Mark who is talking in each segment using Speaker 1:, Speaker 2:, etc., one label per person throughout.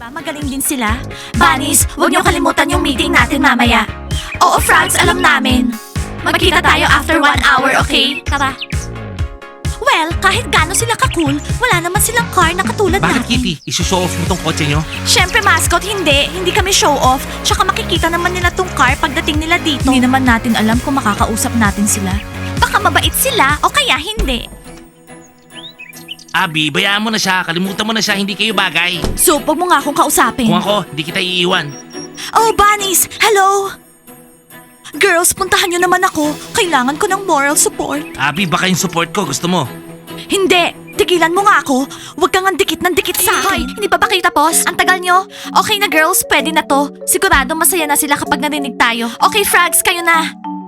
Speaker 1: Diba magaling din sila? Bunnies, huwag niyo kalimutan yung meeting natin mamaya. Oo, Frogs, alam namin. Magkita tayo after 1 hour, okay? Tara. Well, kahit gaano sila ka-cool, wala naman silang car na katulad
Speaker 2: Bakit
Speaker 1: natin.
Speaker 2: Kitty? Isushow off mo tong kotse nyo?
Speaker 1: Siyempre, mascot, hindi. Hindi kami show off. Tsaka makikita naman nila tong car pagdating nila dito. Hindi naman natin alam kung makakausap natin sila. Baka mabait sila o kaya hindi.
Speaker 2: Abby, bayaan mo na siya. Kalimutan mo na siya. Hindi kayo bagay.
Speaker 1: So, wag mo nga akong kausapin.
Speaker 2: Kung ako, hindi kita iiwan.
Speaker 1: Oh, bunnies! Hello! Girls, puntahan nyo naman ako. Kailangan ko ng moral support.
Speaker 2: Abby, baka yung support ko. Gusto mo?
Speaker 1: Hindi! Tigilan mo nga ako. Huwag kang dikit ng dikit sa akin. Hindi pa ba kayo tapos? Ang tagal nyo? Okay na girls, pwede na to. Sigurado masaya na sila kapag narinig tayo. Okay, Frogs, kayo na.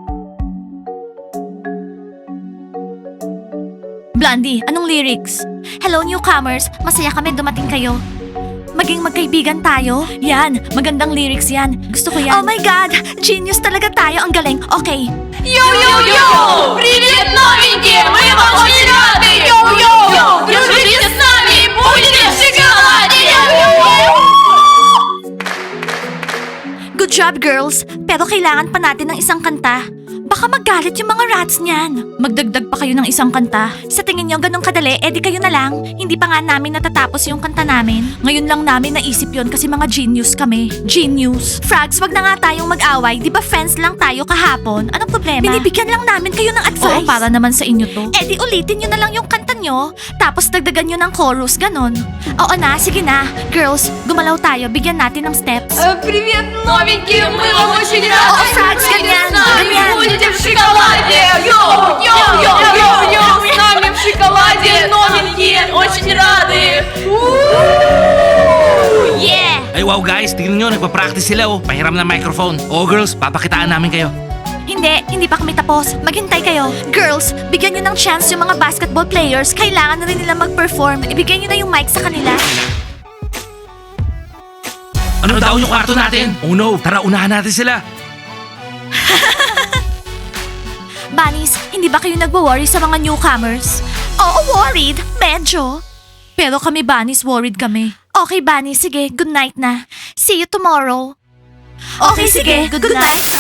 Speaker 1: Blondie, anong lyrics? Hello newcomers, masaya kami dumating kayo. Maging magkaibigan tayo? Yan, magandang lyrics yan. Gusto ko yan. Oh my God! Genius talaga tayo. Ang galing. Okay.
Speaker 3: Йоу-йоу-йоу! Привет, новенькие! Мы вам очень рады! Йоу-йоу! Дружите с нами! Будете в шоколаде! Йоу-йоу!
Speaker 1: Good job, girls. Pero kailangan pa natin ng isang kanta. Baka magalit yung mga rats niyan. Magdagdag pa kayo ng isang kanta. Sa tingin niyo ganun kadali, edi kayo na lang. Hindi pa nga namin natatapos yung kanta namin. Ngayon lang namin naisip yon kasi mga genius kami. Genius. Frogs, wag na nga tayong mag-away. Di ba friends lang tayo kahapon? Anong problema? Binibigyan lang namin kayo ng advice. Oo, para naman sa inyo to. Edi ulitin nyo na lang yung kanta nyo, tapos dagdagan nyo ng chorus, ganon. Oo na, sige na. Girls, gumalaw tayo. Bigyan natin ng steps.
Speaker 3: Привет, новенькие! Мы вам очень рады!
Speaker 1: О, Франц, ganyan, ganyan.
Speaker 3: Будете в шоколаде! Йоу-йоу-йоу-йоу! С нами в шоколаде! Новенькие! Очень рады!
Speaker 1: Yeah!
Speaker 2: Ay wow guys, tingnan nyo. Nagpa-practice sila oh. Pahiram ng microphone. Oh girls, papakitaan namin kayo.
Speaker 1: Hindi pa kami tapos. Maghintay kayo. Girls, bigyan nyo ng chance yung mga basketball players. Kailangan na rin nila mag-perform. Ibigay nyo na yung mic sa kanila.
Speaker 2: Ano daw yung kwarto natin? Oh no, tara unahan natin sila.
Speaker 1: Bunnies, hindi ba kayo nagwo-worry sa mga newcomers? Oo, worried. Medyo. Pero kami, Bunnies, worried kami. Okay, Bunnies, sige. Good night na. See you tomorrow. Okay, sige. Good night.